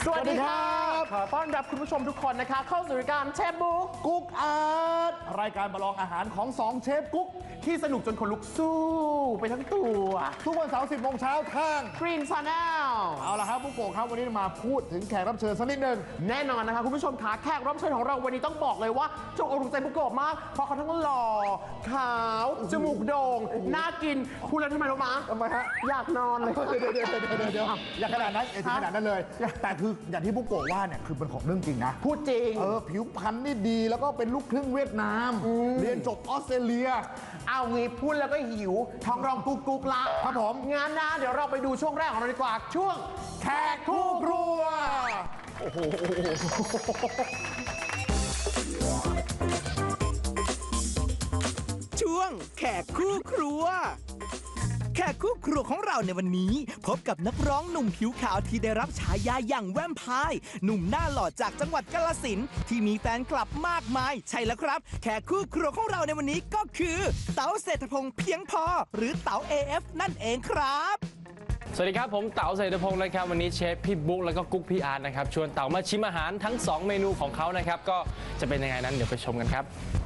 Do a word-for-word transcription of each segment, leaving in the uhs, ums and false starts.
สวัสดีครับขอต้อนรับคุณผู้ชมทุกคนนะคะเข้าสู่รายการเชฟบุ๊กกุ๊กอาร์ตรายการประลองอาหารของสองเชฟกุ๊กที่สนุกจนคนลุกสู้ไปทั้งตัวทุกวันเสาร์สิบโมงเช้าทาง Green Channel เอาละครับผู้โกครับวันนี้มาพูดถึงแขกรับเชิญสักนิดหนึ่งแน่นอนนะคะคุณผู้ชมขาแขกรับเชิญของเราวันนี้ต้องบอกเลยว่าจงอกถูกใจผู้โกมากเพราะเขาทั้งหล่อขาวจมูกโด่งน่ากินพูดแล้วทำไมรู้มะทำไมฮะอยากนอนเลยเดี๋ยวเดี๋ยวเดี๋ยวเดี๋ยวอย่าขนาดนั้นอย่าถึงขนาดนั้นเลยแต่คืออย่างที่ผู้โกว่าเนี่ยคือเป็นของเรื่องจริงนะพูดจริงเออผิวพรรณนี่ดีแล้วก็เป็นลูกครึ่งเวียดนามเรียนจบออสเตรเลียเอางี้พูดแล้วก็หิวท้องร้องกุ๊กกุ๊กละครับผมงานนะเดี๋ยวเราไปดูช่วงแรกของเราดีกว่าช่วงแขกคู่ครัวโอ้โหช่วงแขกคู่ครัวแขกคู่ครัวของเราในวันนี้พบกับนักร้องหนุ่มผิวขาวที่ได้รับฉายาอย่างแวมไพร์หนุ่มหน้าหล่อจากจังหวัดกาฬสินธุ์ที่มีแฟนคลับมากมายใช่แล้วครับแขกคู่ครัวของเราในวันนี้ก็คือเต๋าเศรษฐพงษ์เพียงพอหรือเต๋า เอ เอฟ นั่นเองครับสวัสดีครับผมเต๋าเศรษฐพงษ์นะครับวันนี้เชฟพี่บุ๊กแล้วก็กุ๊กพี่อาร์ตนะครับชวนเต๋ามาชิมอาหารทั้งสองเมนูของเขานะครับก็จะเป็นยังไงนั้นเดี๋ยวไปชมกันครับ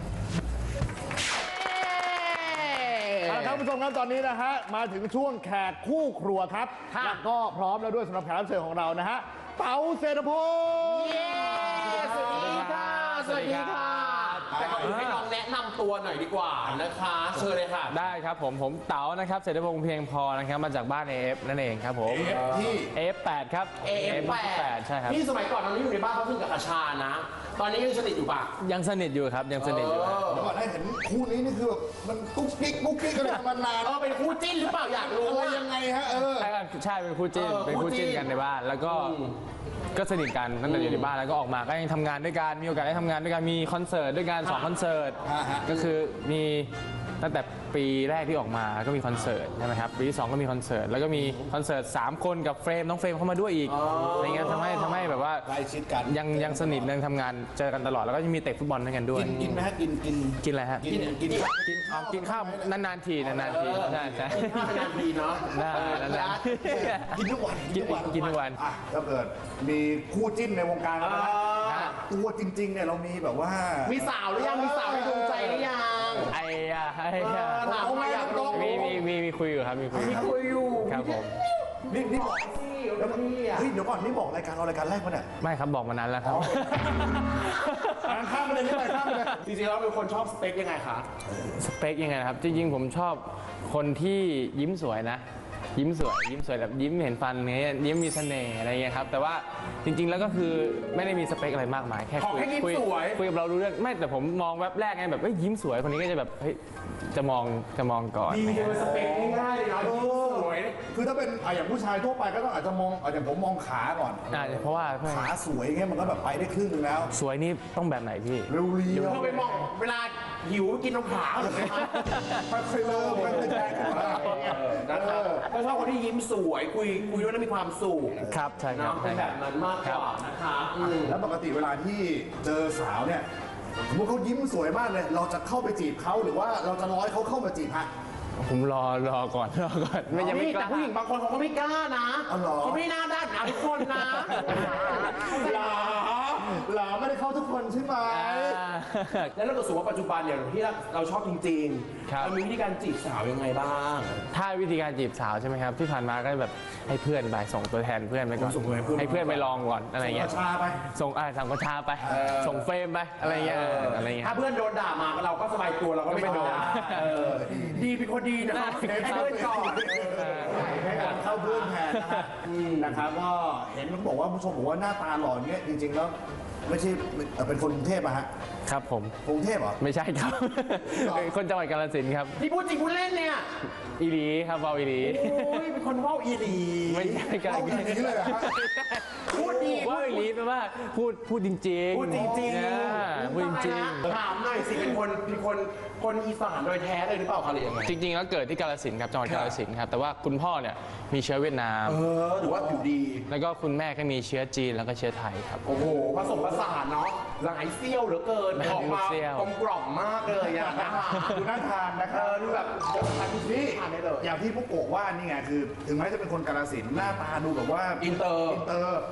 ท่านผู้ชมครับตอนนี้นะฮะมาถึงช่วงแขกคู่ครัวครับและก็พร้อมแล้วด้วยสำหรับแขกรับเชิญของเรานะฮะเต๋าเศรษฐพงษ์สวัสดีค่ะสวัสดีค่ะแต่ก่อนอื่นให้น้องแนะนำตัวหน่อยดีกว่านะคะเชิญเลยค่ะได้ครับผมผมเต๋านะครับเศรษฐพงษ์เพียงพอนะครับมาจากบ้าน เอ เอฟ นั่นเองครับผมเอ เอฟ ที่เอ เอฟ แปดครับเอ เอฟ แปดใช่ครับพี่สมัยก่อนตอนนี้อยู่ในบ้านเขาพึ่งกับอาชานะตอนนี้ยังสนิทอยู่ปะยังสนิทอยู่ครับยังสนิทอยู่เดี๋ยวก่อนให้เห็นคู่นี้นี่คือแบบมันกุ๊กกิ๊กกุ๊กกิ๊กกันมานานเออเป็นคู่จิ้นหรือเปล่าอยากรู้อะไรยังไงฮะเออใช่เป็นคู่จิ้นเป็นคู่จิ้นกันในบ้านแล้วก็ก็สนิทกันตั้งแต่อยู่ในบ้านแล้วก็ออกมาก็ยังทำงานด้วยกันมีโอกาสได้ทำงานด้วยกันมีคอนเสิร์ตด้วยกันสองคอนเสิร์ตก็คือมีตั้งแต่ปีแรกที่ออกมาก็มีคอนเสิร์ตใช่ไหมครับปีที่สองก็มีคอนเสิร์ตแล้วก็มีคอนเสิร์ตสามคนกับเฟรมน้องเฟรมเข้ามาด้วยอีกอะไรเงี้ยทำให้ทำให้แบบว่าใกล้ชิดกันยังยังสนิทยังทำงานเจอกันตลอดแล้วก็ยังมีเตะฟุตบอลด้วยกันด้วยกินไหมฮะกินกินกินอะไรฮะกินกินกินกินข้าวนานๆทีนานๆทีใช่ใช่กินข้าวนานทีเนาะนานๆกินทุกวันกินทุกวันกินทุกวันถ้าเกิดมีคู่จิ้นในวงการแล้วนะตัวจริงๆเนี่ยเรามีแบบว่ามีสาวหรือยังมีสาวในดวงใจหรือยังไอ้ยาไอ้ยาถามมาอยากรู้มีมีมีมีคุยอยู่ครับมีคุยมีคุยอยู่ครับผมนี่นี่บอกแล้วพี่อ่ะเฮ้ยเดี๋ยวก่อนนี่บอกรายการเรารายการแรกมั้ยเนี่ยไม่ครับบอกมานานแล้วครับข้ามไปเลยนี่ไปข้ามไปเลยจริงๆแล้วเป็นคนชอบสเปคยังไงคะสเปคยังไงครับจริงๆผมชอบคนที่ยิ้มสวยนะยิ้มสวยยิ้มสวยแบบยิ้มเห็นฟันเงี้ยยิ้มมีเสน่ห์อะไรเงี้ยครับแต่ว่าจริงๆแล้วก็คือไม่ได้มีสเปคอะไรมากมายแค่คุยคุยคุยกับเรารู้เรื่องไม่แต่ผมมองแบบแรกไงแบบเฮ้ยยิ้มสวยคนนี้ก็จะแบบเฮ้ยจะมองจะมองก่อนดีเป็นสเปคง่ายๆเลยนะยิ้มสวยคือถ้าเป็นอย่างผู้ชายทั่วไปก็ต้องอาจจะมองอย่างผมมองขาก่อนอ่าเพราะว่าขาสวยเงี้ยมันก็แบบไปได้ครึ่งนึงแล้วสวยนี่ต้องแบบไหนพี่เรียวเรียวเราไปมองเวลาหิวกินน้ำขาเลยค่อยๆเริ่มค่อยๆแจ้งกันมานะครับก็ชอบคนที่ยิ้มสวยคุยคุยด้วยแล้วมีความสุขครับใช่ครับเป็นแบบนั้นมากกว่านะคะแล้วปกติเวลาที่เจอสาวเนี่ยสมมติเขายิ้มสวยมากเลยเราจะเข้าไปจีบเขาหรือว่าเราจะร้อยเขาเข้ามาจีบฮะผมรอรอก่อนรอก่อนไม่ยังไม่กล้าแต่ผู้หญิงบางคนเขาก็ไม่กล้านะเขาไม่น่าด้านนะทุกคนนะหลาหลาไม่ได้เข้าทุกคนใช่ไหมแล้วเราก็สูว่าปัจจุบันเนี่ยที่เราชอบจริงๆเรามีวิธีการจีบสาวยังไงบ้างถ้าวิธีการจีบสาวใช่ไหมครับที่ผ่านมาก็แบบให้เพื่อนไปส่งตัวแทนเพื่อนไปก่อนให้เพื่อนไปลองก่อนอะไรเงี้ยส่งกระชาไปส่งอ่าสั่งกระชาไปส่งเฟรมไปอะไรเงี้ยอะไรเงี้ยถ้าเพื่อนโดนด่ามาเราก็สบายตัวเราก็ไม่โดนดีเป็นคนดีนะให้เพื่อนก่อนให้การเข้าเพื่อนแทนนะครับก็เห็นมันบอกว่าผู้ชมบอกว่าหน้าตาหล่อเงี้ยจริงๆแล้วไม่ใช่เป็นคนกรุงเทพอะฮะครับผมกรุงเทพเหรอไม่ใช่ครับคนจังหวัดกาฬสินธุ์ครับนี่พูดจริงพูดเล่นเนี่ยอีหลีครับว่าวอีหลีโอ้ยเป็นคนว่าวอีหลีไม่ใช่กันอีหลีเลยฮะพูดดีว่าวอีหลีแปลว่าพูดพูดจริงๆพูดจริงๆพูดจริงๆถามหน่อยสิเป็นคนเป็นคนคนอีสานโดยแท้เลยหรือเปล่าคะหรือยังไงจริงๆแล้วเกิดที่กาฬสินธุ์ครับจังหวัดกาฬสินธุ์ครับแต่ว่าคุณพ่อเนี่ยมีเชื้อเวียดนามเออหรือว่าผิวดีแล้วก็คุณแม่ก็มีเชื้อจีนแล้วก็เชื้อไทยครับโอ้โหผสมผสานเนาะหลายเซี่ยวเหลือเกินออกมากลมกล่อมมากเลยอะดูน่าทานนะครับดูแบบทานที่ทานได้เลยอย่างที่พวกโกว่านี่ไงคือถึงแม้จะเป็นคนกาฬสินธุ์หน้าตาดูแบบว่าอินเตอร์อินเตอร์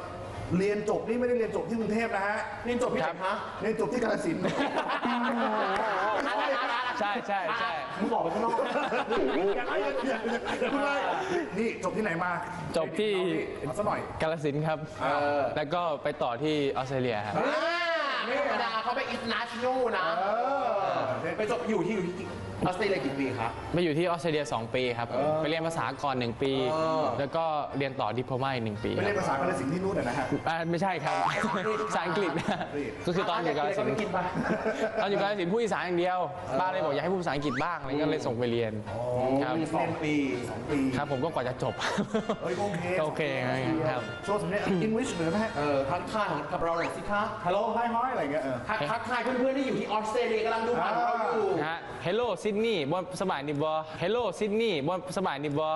เรียนจบนี่ไม่ได้เรียนจบที่กรุงเทพนะฮะเรียนจบที่ไหนคะเรียนจบที่กาฬสินธุ์ใช่ใช่ใช่มึงบอกไปข้างนอกนี่จบที่ไหนมาจบที่เอาซะหน่อยกาฬสินธุ์ครับ แล้วก็ไปต่อที่ออสเตรเลียครับไม่ธรรมดาเขาไปอินนัชโนนะไปจบอยู่ที่อยู่ที่ออสเตรเลียกี่ปีครับไปอยู่ที่ออสเตรเลียสองปีครับ ไปเรียนภาษาก่อนหนึ่งปี แล้วก็เรียนต่อดิโพมาอีกหนึ่งปีไปเรียนภาษากาฬสินธุ์ที่นู่นนะฮะอ่าไม่ใช่ครับ ภาษาอังกฤษนะก็คือตอนอยู่กาฬสินธุ์กินไปตอนอยู่กาฬสินธุ์พูดอีสานอย่างเดียวป้าเลยบอกอยากให้พูดภาษาอังกฤษบ้างอะไรก็เลยส่งไปเรียนครับสองปีสองปีครับผมก็กว่าจะจบเฮ้ยโอเคโอเคครับโชว์สำเนียงอังกฤษเหนือนะฮะเออทักทายกับเราหน่อยสิคะฮัลโหลไฮฮอยอะไรเงี้ยเออทักทักทายเพื่อนๆที่อยู่ที่ออสเตรเลียกำลังดูผ่านเราอยู่นะฮะ Hello Sydney บนสบายนิบอ Hello Sydney บนสบายนิบอ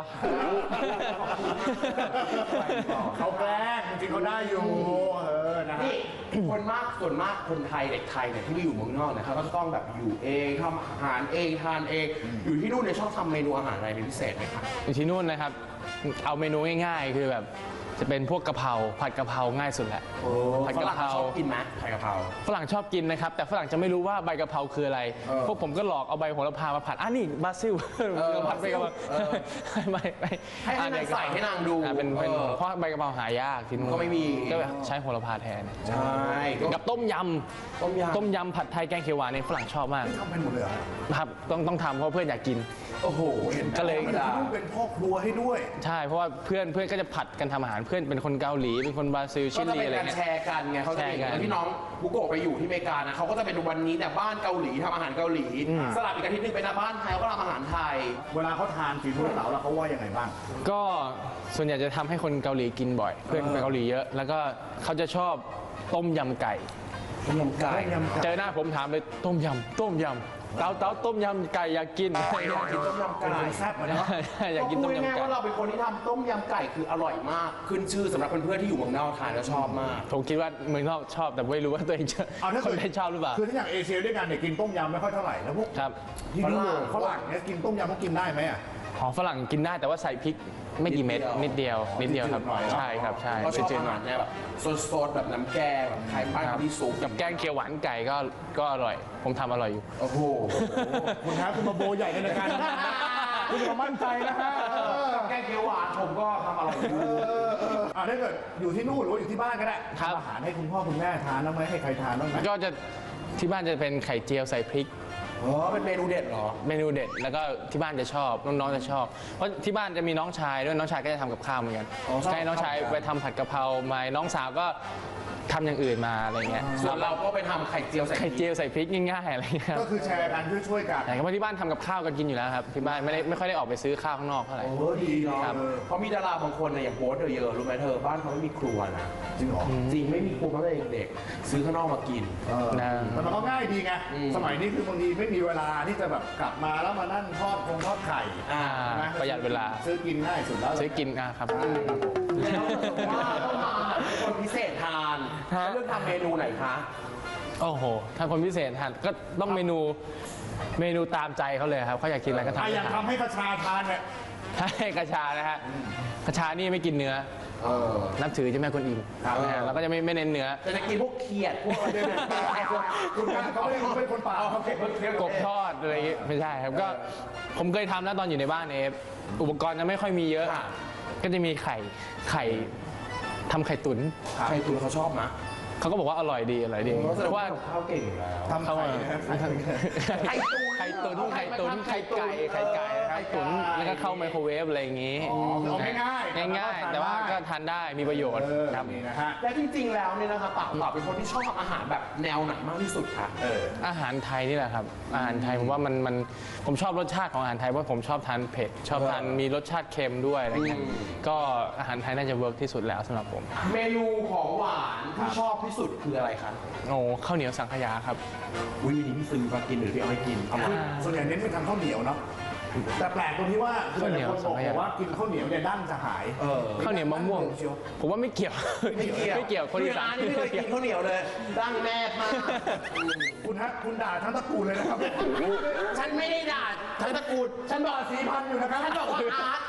เขาแกล้งจริงๆเขาได้อยู่เออนะฮะนี่คนมากส่วนมากคนไทยเด็กไทยเนี่ยที่ไปอยู่เมืองนอกเนี่ยเขาก็จะต้องแบบอยู่เองทำอาหารเองทานเอง อยู่ที่นู่นเนี่ยชอบทำเมนูอาหารอะไรเป็นพิเศษไหมคะอยู่ที่นู่นนะครับ เอาเมนูง่ายๆ คือแบบจะเป็นพวกกะเพราผัดกะเพราง่ายสุดแหละผัดฝกะรั่งเพราชอบกินไหมผัดกะเพราฝรั่งชอบกินนะครับ แต่ฝรั่งจะไม่รู้ว่าใบกะเพราคืออะไร พวกผมก็หลอกเอาใบโหระพามาผัดอ่ะนี่บาซิลผัดใบกะเพราไม่ไม่ให้ให้นางใส่ให้นางดูอ่ะเป็นเป็นเออเพราะใบกะเพราหายากที่นู่นก็ไม่มีก็ใช้โหระพาแทนใช่ก็กับต้มยต้มยำำต้มยำผัดไทยแกงเขียวหวานเนี่ยฝรั่งชอบมากทำเป็นหมดเลยเหรอครับต้องต้องทำเพราะเพื่อนอยากกินโอ้โหเห็นก็เลยธรรมดาต้องเป็นพ่อครัวให้ด้วยใช่เพราะว่าเพื่อนเพื่อนก็จะผัดกันทำอาหารเพื่อนเป็นคนเกาหลีเป็นคนบราซิลก็ชิจะลีเป็นอะไรการเงี้ยแชร์กันไงเขาจะแชร์เป็นกันเหมือนที่น้องบุโกะไปอยู่ที่อเมริกานะเขาก็จะเป็นวันนี้แต่บ้านเกาหลีทำอาหารเกาหลี สลับอีกอาทิตย์หนึงเป็นบ้านไทยเขาก็ทำอาหารไทยเวลาเขาทานฝีมือเต๋าแล้วเขาว่ายังไงบ้างก็ส่วนใหญ่จะทำให้คนเกาหลีกินบ่อย เพื่อนไปเกาหลีเยอะ แล้วก็เขาจะชอบต้มยำไก่ต้มยำไก่เจอหน้าผมถามเลยต้มยำต้มยำเต้าเต้าต้มยำไก่อยากกินอยากกินต้มยำไก่แซ่บอะเนาะอยากกินต้มพูดง่ายยำๆไก่ว่าเราเป็นคนที่ทำต้มยำไก่คืออร่อยมาก ขึ้นชื่อสำหรับเพื่อนๆที่อยู่เมืองนอกทานแล้วชอบมากผมคิดว่าเมืองนอกชอบแต่ไม่รู้ว่าตัวเองจะเอาถ้าคนเกิดได้ชอบหรือเปล่าคือถ้าอย่างเอเชียด้วยกันเนี่ยกินต้มยำไม่ค่อยเท่าไหร่แล้วพวกครับที่ยุโรปฝรั่งเนี่ยกินต้มยำเขากินได้ไหมอ่ะของฝรั่งกินได้แต่ว่าใส่พริกไม่กี่เม็ดนิดเดียวนิดเดียวครับนิดหน่อยใช่ครับใช่ก็ชอบจืดอาๆหหาน่อยรเนี่ยแบบสดๆแบบน้ำแกงแบบไทยบ้านครับที่ซุปกับแกงเขียวหวานไก่ก็ก็อร่อย ผมทำอร่อยอยู่โอ้โหคุณฮะคุณมาโบใหญ่ในรายการนะคุณมามั่นใจนะฮะเออแกงเขียวหวานผมก็ทำอร่อยอยู่เออเอออ่ะถ้าเกิดอยู่ที่นู่นหรือว่าอยู่ที่บ้านก็ได้ครับทำอาหารให้คุณพ่อคุณแม่ทานบ้างไหมให้ใครทานบ้างไหมก็จะที่บ้านจะเป็นไข่เจียวใส่พริกอ๋อเป็นเมนูเด็ดเหรอเมนูเด็ดแล้วก็ที่บ้านจะชอบน้องๆจะชอบ เพราะที่บ้านจะมีน้องชายด้วยน้องชายก็จะทำกับข้าวเหมือนกันอ๋อชอบใช่น้องชายทำกับข้าวไปทำผัดกะเพรามาน้องสาวก็ทำอย่างอื่นมาอะไรเงี้ยส่วนเราก็ไปทำไข่เจียวใส่ไข่เจียวใส่พริกง่ายๆอะไรเงี้ยก็คือแชร์กันช่วยๆกันแต่เพราะที่บ้านทำกับข้าวกันกินอยู่แล้วครับที่บ้านไม่ได้ไม่ค่อยได้ออกไปซื้อข้าวข้างนอกเท่าไหร่โอ้ดีเนาะครับเพราะมีดาราบางคนเนี่ยอย่างโบ๊ทเธอเยอะรู้ไหมเธอบ้านเขาไม่มีครัวนะจริงเหรอจริงไม่มีครัวตั้งแต่เด็กๆซื้อข้างนอกมากินเออนะแต่มันก็ง่ายดีไงอืมสมัยนี้คือบางทีไม่มีเวลาที่จะแบบกลับมาแล้วมานั่งทอดคงทอดไข่อ่าใช่ไหมประหยัดเวลาซื้อกินง่ายสุดแล้วซื้อกินอ่ะครับแล้วว่าต้องมาคนพิเศษทานฮะเลือกทำเมนูไหนคะโอ้โหถ้าคนพิเศษทานก็ต้องเมนูเมนูตามใจเขาเลยครับเขาอยากกินอะไรก็ทำอ่ะให้อย่างทานทำให้กระชาทานเนี่ยให้กระชานะฮะกระชานี่ไม่กินเนื้อเออนับถือเจ้าแม่กวนอิมครับนะฮะเราก็จะไม่ไม่เน้นเนื้อแต่จะกินพวกเขียดพวกอะไรเนี่ยคุณกันเขาไม่ได้เขาเป็นคนป่าเขาเป็นคนเทพกบทอดอะไรอย่างงี้ไม่ใช่ครับก็ผมเคยทำนะตอนอยู่ในบ้านเอฟอุปกรณ์จะไม่ค่อยมีเยอะ ก็จะมีไข่ไข่ทำไข่ตุ๋นใครคุณเขาชอบนะเขาก็บอกว่าอร่อยดีอร่อยดีเพราะเพราะว่าข้าวเก่งอยู่แล้วทำไข่นะไข่ตุ๋นไข่ตุ๋นไข่ตุ๋นไข่ไก่ไข่ไก่ครับตุ๋นแล้วก็เข้าไมโครเวฟอะไรอย่างงี้อ๋อคือเอาง่ายๆง่ายๆ แต่ว่าก็ทานได้มีประโยชน์เออครับนี่นะฮะและจริงๆแล้วเนี่ยนะคะปากเปล่าเป็นคนที่ชอบทำอาหารแบบแนวไหนมากที่สุดคะเอออาหารไทยนี่แหละครับอาหารไทยผมว่ามันมันผมชอบรสชาติของอาหารไทยเพราะผมชอบทานเผ็ดชอบทานมีรสชาติเค็มด้วยอะไรเงี้ยก็อาหารไทยน่าจะเวิร์กที่สุดแล้วสำหรับผมเมนูของหวานที่ชอบที่สุดคืออะไรคะโอ้ข้าวเหนียวสังขยาครับอุ้ยวันนี้พี่ซื้อมากินหรือพี่เอาให้กินเอามาส่วนใหญ่เน้นไปทางข้าวเหนียวเนาะ แต่แปลกตรงที่ว่าคือหลายคนบอกว่ากินข้าวเหนียวเนี่ยดั้นจะหายเออข้าวเหนียวมะม่วง ผมว่าไม่เกี่ยว ไม่เกี่ยวคนอีสานนี่ไม่เคยกินข้าวเหนียวเลยดั้งแม่มากคุณฮะคุณด่าทั้งตระกูลเลยนะครับฉันไม่ได้ด่าทั้งตระกูลฉันบอกสี่พันอยู่นะครับฉันบอกว่าอาร์ตอาร์ต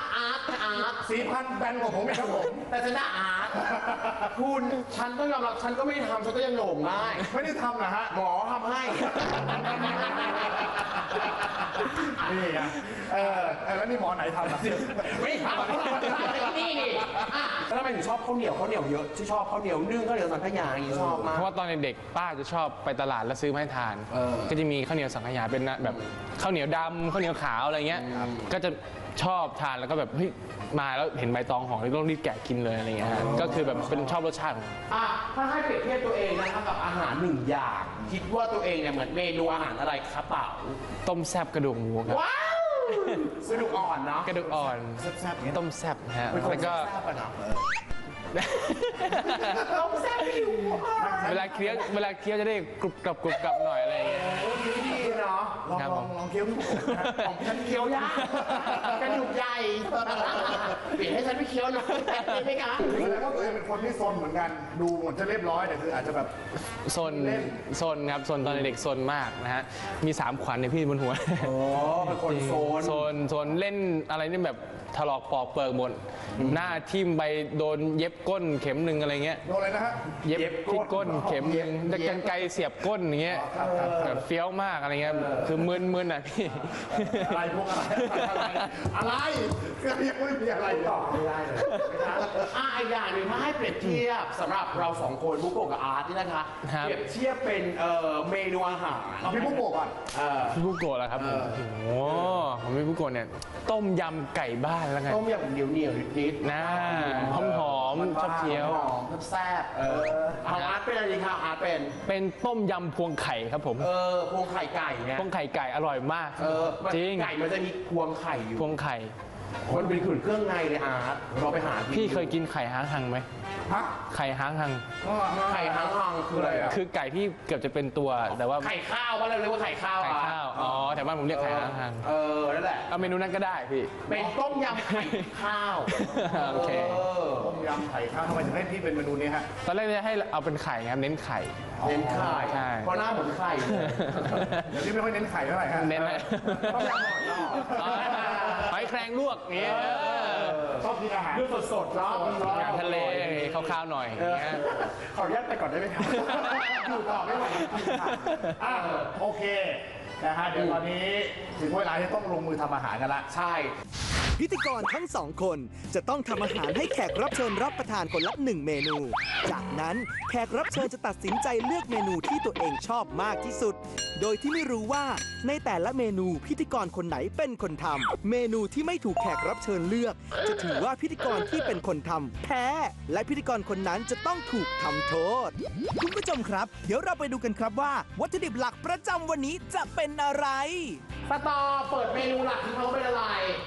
อาร์ตสี่พันแบนกว่าผมเองครับผมแต่ฉันน่ะอาร์ตคุณฉันต้องยอมรับฉันก็ไม่ทำฉันก็ยังโหน่งได้ไม่ได้ทำนะฮะหมอทำให้นี่ไงเออเออแล้วนี่หมอไหนทำอ่ะไม่ทำนี่นี่อ่ะแล้วทำไมถึงชอบข้าวเหนียวข้าวเหนียวเยอะที่ชอบข้าวเหนียวนึ่งข้าวเหนียวสังขยาอย่างนี้ชอบมากเพราะว่าตอนเด็กๆป้าจะชอบไปตลาดแล้วซื้อมาให้ทาน ก็จะมีข้าวเหนียวสังขยาเป็นแบบข้าวเหนียวดำข้าวเหนียวขาวอะไรเงี้ย ก็จะชอบทานแล้วก็แบบเฮ้ยมาแล้วเห็นใบตองห่อแล้วต้องรีบแกะกินเลยอะไรเงี้ยฮะก็คือแบบเป็นชอบรสชาติของอ่ะถ้าให้เปรียบเทียบตัวเองนะคะกับอาหารหนึ่งอย่าง คิดว่าตัวเองเนี่ยเหมือนเมนูอาหารอะไรครับเปล่าต้มแซ่บกระดูกหมูครับว้าวกระดูกอ่อนเนาะกระดูกอ่อนต้มแซ่บนะฮะแล้วก็แซ่บอะเนาะต้มแซ่บผิวเวลาเคี้ยวเวลาเคี้ยวจะได้กรุบกรับกรุบกรับหน่อยอะไรอย่างเงี้ยโอ้ดีดีเนาะลองครับลผองมลองเคี้ยวพี่ผมนะของฉันเคี้ยวยากกระดูกใหญ่เปลี่ยนให้ฉันไปเคี้ยวหน่อยได้ไหมคะแสดงว่าตัวเองเป็นคนที่ซนเหมือนกัน ดูเหมือนจะเรียบร้อยแต่คืออาจจะแบบโซนโซนครับโซนตอนเด็กโซนมากนะฮะมีสามขวัญเนี่ยพี่บนหัวโอ้เป็นคนโซนโซนโซนเล่นอะไรนี่แบบถลอกปอกเปิกหมดหน้าทิ่มไปโดนเย็บก้นเข็มหนึ่งอะไรเงี้ยโดนอะไรนะฮะเย็บที่ก้นเข็มหนึ่งจะกันไกรเสียบก้นอย่างเงี้ยแบบเฟี้ยวมากอะไรเงี้ยคือมึนมึนอ่ะพี่อะไรพวกอะไรอะไรอะไรคือยังไม่มีอะไรต่อไม่ได้เลยอ่ะอีกอย่างหนึ่งถ้าให้เปรียบเทียบสำหรับเราสองคนบุกโกะกับอาร์ตนี่นะคะครับเปรียบเทียบเป็นเอ่อเมนูอาหารเอาพี่ปุ๊กโกะก่อนเอ่อพี่บุโกะแล้วครับผมโอ้โหผมพี่บุโกะเนี่ยต้มยำไก่บ้านแล้วไงต้มยำเหนียวเหนียวๆนิดๆนะหอมหอมๆชอบเคี้ยวหอมแซ่บๆเออของอาร์ตเป็นอะไรดีคะอาร์ตเป็นเป็นต้มยำพวงไข่ครับผมเออพวงไข่ไก่เนี่ยพวงไข่ไก่อร่อยมากเออมันจริงไก่มันจะมีพวงไข่อยู่พวงไข่มันเป็นขุนเครื่องในเลยอาร์ตเราไปหาพี่เคยกินไข่ห้างหังไหมฮะไข่ห้างหังไข่ทั้งรังคืออะไรอ่ะคือไก่ที่เกือบจะเป็นตัวแต่ว่าไข่ข้าวว่าเราเรียกว่าไข่ข้าวไข่อ่ะข้าวอ๋อแต่ว่าผมเรียกไข่ห้างหังเออนั่นแหละเอาเมนูนั้นก็ได้พี่เป็นต้มยำไข่ข้าวโอเคเออต้มยำไข่ข้าวทำไมถึงให้พี่เป็นเมนูนี้ฮะตอนแรกจะให้เอาเป็นไข่ครับเน้นไข่เน้นไข่ใช่เพราะหน้าเหมือนไข่เลยเดี๋ยวนี้ไม่ค่อยเน้นไข่เท่าไหร่ฮะเน้นเลยต้มยำหอยนอกอ๋อหอยแครงลวกอย่างเงี้ยชอบกินอาหารดูสดๆเนาะอาหารทะเลข้าวๆหน่อยอย่างเงี้ยขออนุญาตไปก่อนได้ไหมครับอยู่ต่อไม่ไหวจริงๆค่ะอ่ะโอเคนะฮะเดี๋ยวตอนนี้ถึงเวลาที่ต้องลงมือทำอาหารกันละใช่พิธีกรทั้งสองคนจะต้องทำอาหารให้แขกรับเชิญรับประทานคนละหนึ่งเมนู จากนั้นแขกรับเชิญจะตัดสินใจเลือกเมนูที่ตัวเองชอบมากที่สุด โดยที่ไม่รู้ว่าในแต่ละเมนูพิธีกรคนไหนเป็นคนทำเมนูที่ไม่ถูกแขกรับเชิญเลือก จะถือว่าพิธีกรที่เป็นคนทำแพ้ และพิธีกรคนนั้นจะต้องถูกทำโทษ คุณผู้ชมครับ เดี๋ยวเราไปดูกันครับว่า วัตถุดิบหลักประจำวันนี้จะเป็นอะไรสตอเปิดเมนูหลักที่เขาเป็นอะไร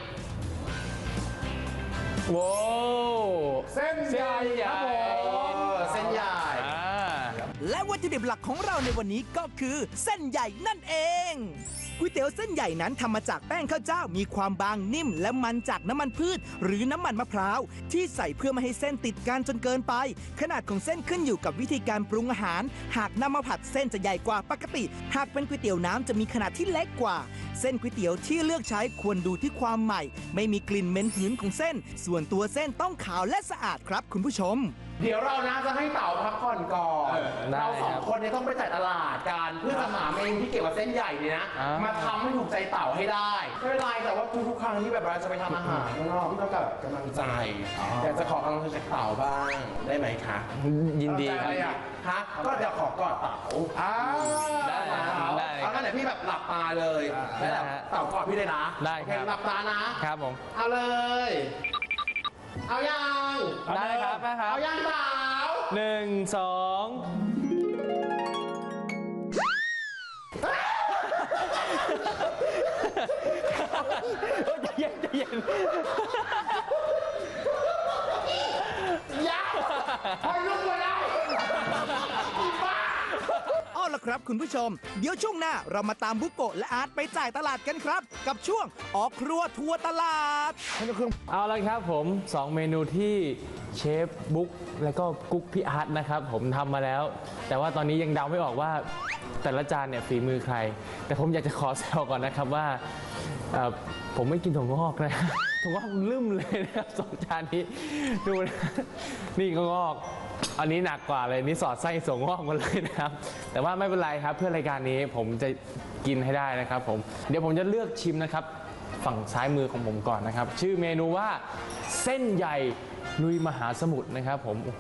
โว้วเส้นใหญ่ครับผมเออเส้นใหญ่อ่าและวัตถุดิบหลักของเราในวันนี้ก็คือเส้นใหญ่นั่นเองก๋วยเตี๋ยวเส้นใหญ่นั้นทำมาจากแป้งข้าวเจ้ามีความบางนิ่ม และมันจากน้ำมันพืช หรือน้ำมันมะพร้าวที่ใส่เพื่อไม่ให้เส้นติดกันจนเกินไป ขนาดของเส้นขึ้นอยู่กับวิธีการปรุงอาหาร หากนำมาผัดเส้นจะใหญ่กว่าปกติ หากเป็นก๋วยเตี๋ยวน้ำจะมีขนาดที่เล็กกว่า เส้นก๋วยเตี๋ยวที่เลือกใช้ควรดูที่ความใหม่ ไม่มีกลิ่นเหม็นหืนของเส้น ส่วนตัวเส้นต้องขาวและสะอาดครับคุณผู้ชมเดี๋ยวเรานะจะให้เต่าพักผ่อนก่อนได้เราสองครับคนเนี่ยต้องไปจ่ายตลาดกันเพื่อจะหาเมนูที่เกี่ยวกับเส้นใหญ่เนี่ยนะอ่ามมาทำให้ถูกใจเต่าให้ได้ไม่เป็นไรแต่ว่าทุกๆครั้งที่แบบเราจะไปทำอาหารข้างนอกพี่ต้องการกำลังใจอยากจะขอกำลังใจจากเต่าบ้างได้ไหมคะยินดีครับอะไรอ่ะฮะก็เดี๋ยวขอกอดเต่าอ้าวได้นะได้เอางั้นเดี๋ยวพี่แบบหลับตาเลยแล้วแบบได้ฮะเต่ากอดพี่เลยนะได้ครับโอเหลับตานะครับผมเอาเลย เอายังได้ครับได้ครับเอายังเต่าหนึ่งสองใจเย็นใจเย็นยังพอลุกมาแล้วเอาล่ะครับคุณผู้ชม เดี๋ยวช่วงหน้าเรามาตามบุโกะและอาร์ตไปจ่ายตลาดกันครับ กับช่วงออกครัวทัวร์ตลาดเอาละครับผมสองเมนูที่เชฟบุ๊กแล้วก็กุ๊กพี่อาร์ตนะครับผมทำมาแล้ว แต่ว่าตอนนี้ยังเดาไม่ออกว่าแต่ละจานเนี่ยฝีมือใคร แต่ผมอยากจะขอแซวก่อนนะครับว่าเอ่อผมไม่กินถั่วงอกนะถั่วงอกลืมเลยนะครับสองจานนี้ดูนะนี่ก็งอกอันนี้หนักกว่าเลยนี่สอดไส้ถั่วงอกมาเลยนะครับแต่ว่าไม่เป็นไรครับเพื่อรายการนี้ผมจะกินให้ได้นะครับผมเดี๋ยวผมจะเลือกชิมนะครับฝั่งซ้ายมือของผมก่อนนะครับชื่อเมนูว่าเส้นใหญ่ลุยมหาสมุทรนะครับผมโอ้โห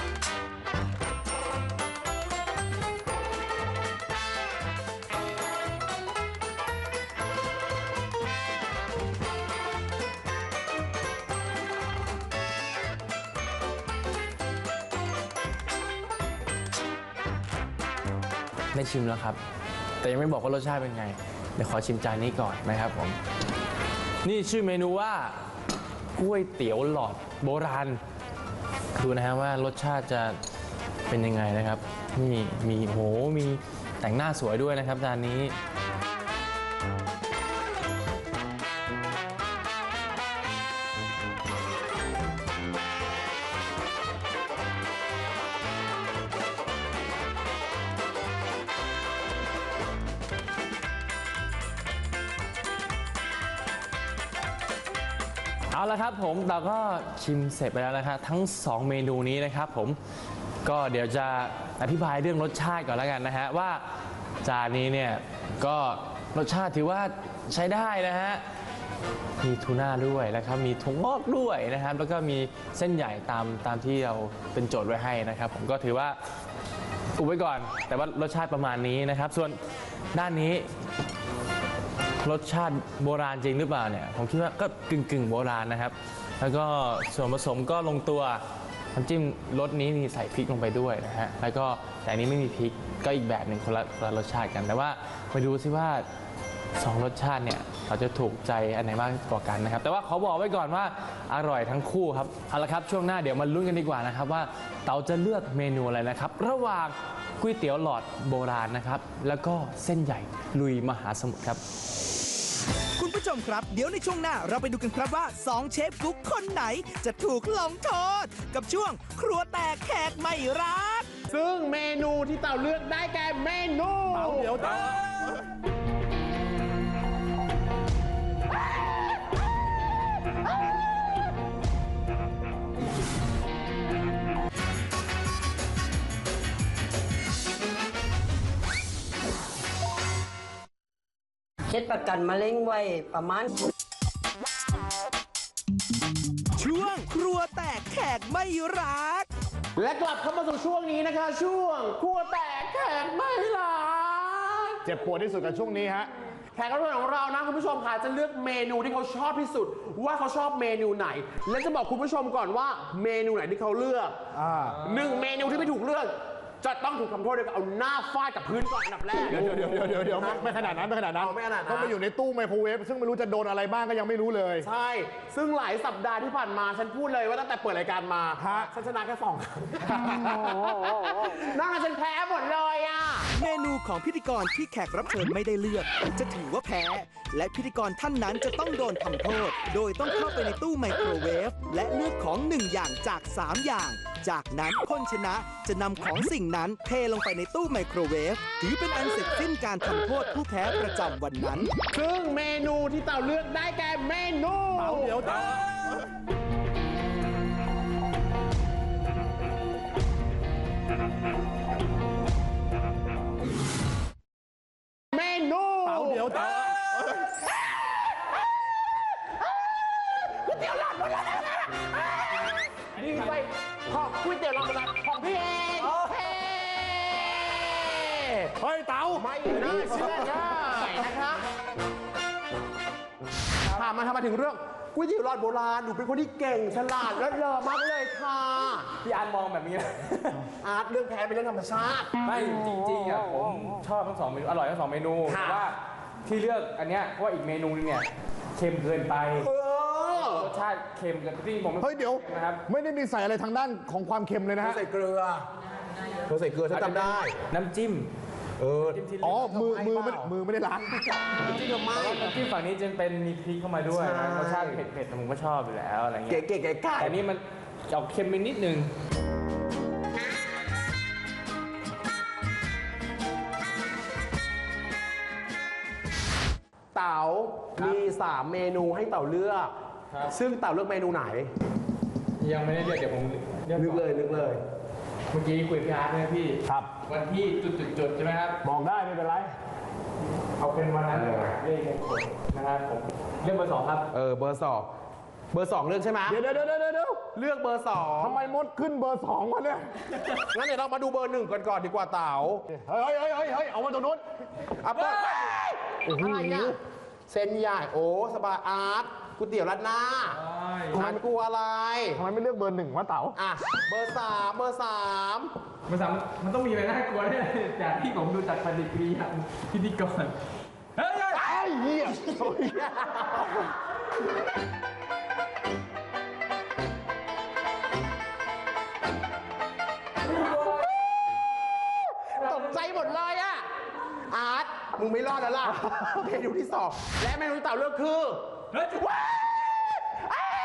ได้ชิมแล้วครับแต่ยังไม่บอกว่ารสชาติเป็นไงเดี๋ยวขอชิมจานนี้ก่อนนะครับผมนี่ชื่อเมนูว่าก๋วยเตี๋ยวหลอดโบราณดูนะฮะว่ารสชาติจะเป็นยังไงนะครับนี่มีโหมีแต่งหน้าสวยด้วยนะครับจานนี้เอาละครับผมเราก็ชิมเสร็จไปแล้วนะครับทั้งสองเมนูนี้นะครับผมก็เดี๋ยวจะอธิบายเรื่องรสชาติก่อนแล้วกันนะฮะว่าจานนี้เนี่ยก็รสชาติถือว่าใช้ได้นะฮะมีทูน่าด้วยนะครับมีถั่วงอกด้วยนะครับแล้วก็มีเส้นใหญ่ตามตามที่เราเป็นโจทย์ไว้ให้นะครับผมก็ถือว่าอุบไว้ก่อนแต่ว่ารสชาติประมาณนี้นะครับส่วนด้านนี้รสชาติโบราณจริงหรือเปล่าเนี่ยผมคิดว่าก็กึ่งกึ่งโบราณนะครับแล้วก็ส่วนผสมก็ลงตัวน้ำจิ้มรสนี้มีใส่พริกลงไปด้วยนะฮะแล้วก็แต่อันนี้ไม่มีพริกก็อีกแบบหนึ่งคนละคนละรสชาติกันแต่ว่าไปดูซิว่าสองรสชาติเนี่ยเราจะถูกใจอันไหนมากกว่ากันนะครับแต่ว่าขอบอกไว้ก่อนว่าอร่อยทั้งคู่ครับเอาละครับช่วงหน้าเดี๋ยวมาลุ้นกันดีกว่านะครับว่าเต๋าจะเลือกเมนูอะไรนะครับระหว่างก๋วยเตี๋ยวหลอดโบราณนะครับแล้วก็เส้นใหญ่ลุยมหาสมุทรครับคุณผู้ชมครับเดี๋ยวในช่วงหน้าเราไปดูกันครับว่าสองเชฟกุ๊กคนไหนจะถูกลงโทษกับช่วงครัวแตกแขกไม่รักซึ่งเมนูที่เต่าเลือกได้แก่เมนูเต่าเดี๋ยวเต่าเช็ดประกันมะเร็งไว้ประมาณช่วงครัวแตกแขกไม่รักและกลับเข้ามาสู่ช่วงนี้นะคะ ช่วงครัวแตกแขกไม่รักเจ็บปวดที่สุดกับช่วงนี้ฮะแขกรับเชิญของเรานะคุณผู้ชมค่ะจะเลือกเมนูที่เขาชอบที่สุดว่าเขาชอบเมนูไหน และจะบอกคุณผู้ชมก่อนว่าเมนูไหนที่เขาเลือกหนึ่งเมนูที่ไม่ถูกเลือกจะต้องถูกทำโทษด้วยการเอาหน้าฟาดกับพื้นก่อนอันดับแรกเดี๋ยวเดี๋ยวเดี๋ยวเดี๋ยวเดี๋ยวไม่ขนาดนั้นไม่ขนาดนั้นไม่ขนาดนั้นต้องไปอยู่ในตู้ไมโครเวฟซึ่งไม่รู้จะโดนอะไรบ้างก็ยังไม่รู้เลยใช่ซึ่งหลายสัปดาห์ที่ผ่านมาฉันพูดเลยว่าตั้งแต่เปิดรายการมาฉันชนะแค่สองครั้งนั่นฉันแพ้หมดเลยอ่ะเมนูของพิธีกรที่แขกรับเชิญไม่ได้เลือกจะถือว่าแพ้และพิธีกรท่านนั้นจะต้องโดนทำโทษโดยต้องเข้าไปในตู้ไมโครเวฟและเลือกของหนึ่งอย่างจากสามอย่างจากนั้นคนชนะจะนำของสิ่งนั้นเทลงไปในตู้ไมโครเวฟถือเป็นอันเสร็จสิ้นการทำโทษผู้แพ้ประจำวันนั้นซึ่งเมนูที่เต่าเลือกได้แก่เมนูเต่าเดี๋ยวเต่าเมนูเต่าเดี๋ยวเต่าก๋วยเตี๋ยวหลอดโบราณนี่ไปขอบก๋วยเตี๋ยวหลอดโบราณของพี่เองเฮ้ยเต่าไม่น่าเชื่อได้นะคะถามมาทำมาถึงเรื่องก๋วยเตี๋ยวหลอดโบราณหนูเป็นคนที่เก่งฉลาดและเลอมากเลยค่ะพี่อาร์ตมองแบบนี้นะอาร์ตเรื่องแพ้เป็นเรื่องธรรมชาติไม่จริงๆอ่ะผมชอบทั้งสองเมนูอร่อยทั้งสองเมนูแต่ว่าที่เลือกอันเนี้ยเพราะว่าอีกเมนูนึงเนี่ยเค็มเกินไปรสชาติเค็มเกินที่ผมเฮ้ยเดี๋ยวนะครับไม่ได้มีใส่อะไรทางด้านของความเค็มเลยนะฮะใส่เกลือเธอใส่เกลือฉันจำได้น้ำจิ้มเอออ๋อมือมือมือไม่ได้ล้างน้ำจิ้มทำไมน้ำจิ้มฝั่งนี้จะเป็นมีพริกเข้ามาด้วยรสชาติเผ็ดๆผมก็ชอบอยู่แล้วอะไรเงี้ยเก๋ๆๆแต่นี่มันออกเค็มไปนิดนึงเต๋เต๋ามีสามเมนูให้เต๋าเลือก ซึ่งเต๋าเลือกเมนูไหนยังไม่ได้เลือกเดี๋ยวผมเลือกนึกก่อนเลยนึกเลยเมื่อกี้คุยกับพี่อาร์ตเนี่ยพี่ครับวันที่จุดๆๆใช่ไหมครับบอกได้ไม่เป็นไรเอาเป็นวันนั้นเลยเลขมงคลนะครับผมเลือกเบอร์สองครับเออเบอร์สองเบอร์สองเลือกใช่ไหมเดี๋ยวเดี๋ยวเดี๋ยวเดี๋ยวเดี๋ยวเลือกเบอร์สองทำไมมดขึ้นเบอร์สองวะเนี่ยงั้นเดี๋ยวเรามาดูเบอร์หนึ่งก่อนก่อนดีกว่าเต๋าเฮ้ยเฮ้ยเฮ้ยเฮ้ยเอามาตรงนู้นอ่ะเปิดอะไรเนี่ยเส้นใหญ่โอ้สบายอาร์ตก๋วยเตี๋ยวรัดหน้าอาร์ตกลัวอะไรทำไมไม่เลือกเบอร์หนึ่งวะเต๋าอ่ะเบอร์สามเบอร์สามมันสามมันต้องมีอะไรน่ากลัวเนี่ยจากที่ผมดูจากปฏิกิริยาพิธีกรเฮ้ยไอ้เหี้ยตกใจหมดเลยอะอาร์ตมึงไม่รอดแล้วล่ะ เมนูที่สองและเมนูที่เต่าเลือกคือเฮ้ยว้ายอ้าย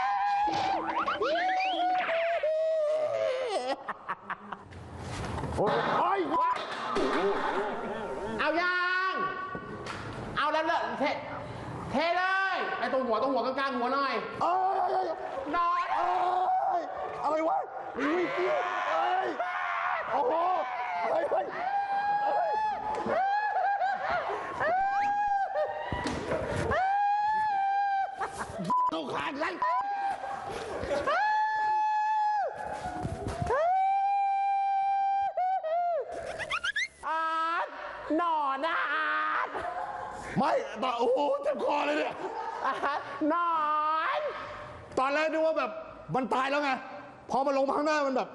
โอ้ยโอ้ยเอายังเอาแล้วเลยเทเทเลยไอ้ตรงหัวตรงหัวกลางๆหัวหน่อยเอ้ยเอ้ยนอนเอ้ยอะไรวะอุ้ยเหี้ยเอ้ยโอ้โหเฮ้ยเฮ้ยลูกขาดไรอาร์ตหนอนนะอาร์ตไม่แต่โอ้โหเจ็บคอเลยเนี่ยอาร์ตหนอนตอนแรกนึกว่าแบบมันตายแล้วไง พอมาลงมาข้างหน้ามันแบบ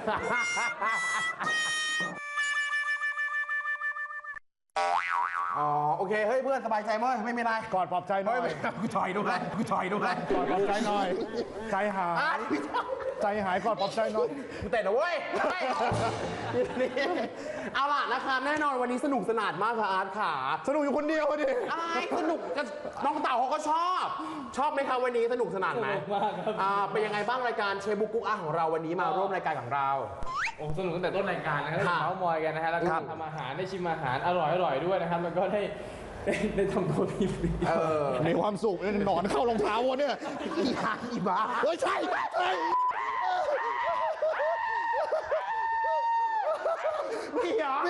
อ๋อโอเคเฮ้ยเพื่อนสบายใจมั้ยไม่มีอะไรกอดปลอบใจหน่อยกูถอยด้วยกูถอยด้วยกอดปลอบใจหน่อย ใจหาย ใจหายกอดปลอบใจหน่อยกูเตะนะเว้ยเฮ้ยนี่เอาล่ะนะครับแน่นอนวันนี้สนุกสนานมากค่ะอาร์ตขาสนุกอยู่คนเดียวอะดิอะไรสนุกกันน้องเต่าเขาก็ชอบ ชอบไหมครับวันนี้สนุกสนานไหมสนุกมากครับอ่าเป็นยังไงบ้างรายการเชฟบุกกุ๊กอาของเราวันนี้มาร่วมรายการของเราโอ้สนุกตั้งแต่ต้นรายการนะครับครัได้บเมาส์มอยกันนะฮะแล้วก็ทำอาหารได้ชิมอาหารอร่อยอร่อยด้วยนะครับแล้วก็ได้ได้ได้ทำตัวพีพีเออมีความสุขหนอนเข้ารองเท้าวะเนี่ยอีหาอีบ้าเฮ้ยใช่ใช่นี่เหรอนี่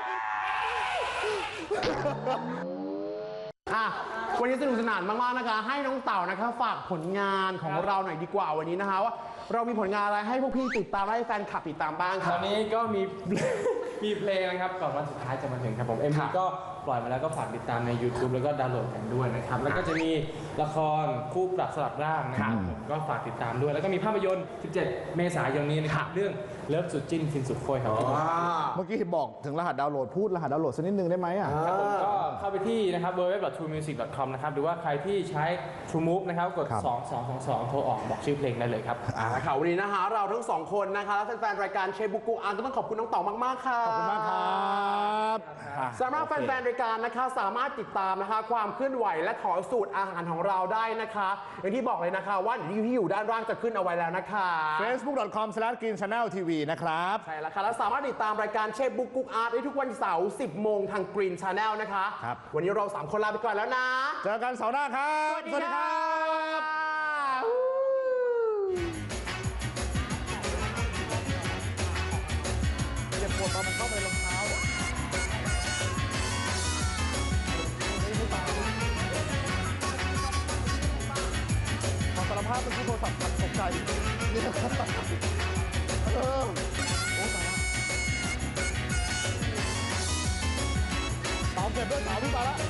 อ่ะวันนี้สนุกสนานมากๆนะคะ ให้น้องเต่านะคะฝากผลงานของเราหน่อยดีกว่าวันนี้นะคะว่าเรามีผลงานอะไรให้พวกพี่ติดตามและให้แฟนคลับติดตามบ้างตครัอบ นนี้ก็มี มีเพลงนะครับก่อนวันสุดท้ายจะมาถึงครับผมเอ็มครัวีบก็ปล่อยมาแล้วก็ฝากติดตามใน YouTube แล้วก็ดาวน์โหลดกันด้วยนะครับแล้วก็จะมีละครคู่ปรับสลับร่างนะครับผมก็ฝากติดตามด้วย แล้วก็มีภาพยนตร์ สิบเจ็ด เมษายนนี้นะครับเรื่องเลิฟสุดจิ้นฟินสุดโคยครับผมอ่าเมื่อกี้บอกถึงรหัสดาวน์โหลดพูดรหัสดาวน์โหลดสักนิดนึงได้ไหมอ่ะครับผมก็เข้าไปที่นะครับ ดับเบิลยู ดับเบิลยู ดับเบิลยู ดอท ทรูมิวสิก ดอท คอม นะครับหรือว่าใครที่ใช้ TrueMove นะครับกดครับสองสองสองสองโทรออกบอกชื่อเพลงได้เลยครับอ่าค่ะวันนี้นะคะเราทั้งสองคนนะคะและแฟนๆรายการเชฟบุกกุ๊กอาก็ต้องขอบคุณน้องเต่ามากๆค่ะขอบคุณมากครับสำหรับแฟนๆรายการนะคะสามารถติดตามนะคะความเคลื่อนไหวและขอสูตรอาหารของเราได้นะคะอย่างที่บอกเลยนะคะว่าเดี๋ยวที่อยู่ด้านล่างจะขึ้นเอาไว้แล้วนะคะเฟซบุ๊ก ดอท คอม สแลช กรีน ชาแนล ที วี นะครับใช่แล้วค่ะ และสามารถติดตามรายการเชฟบุ๊กกุ๊กอาร์ตได้ทุกวันเสาร์สิบโมงทาง Green Channel นะคะครับวันนี้เราสามคนลาไปก่อนแล้วนะเจอกันเสาร์หน้าครับสวัสดีครับเจ็บปวดตอนมันเข้าไปรองเท้าอะขอสารภาพเป็นที่โทรศัพท์ตกใจเนี่ยเออโอ้ตายละเต๋าเก็บด้วยเต๋าพี่ตายละ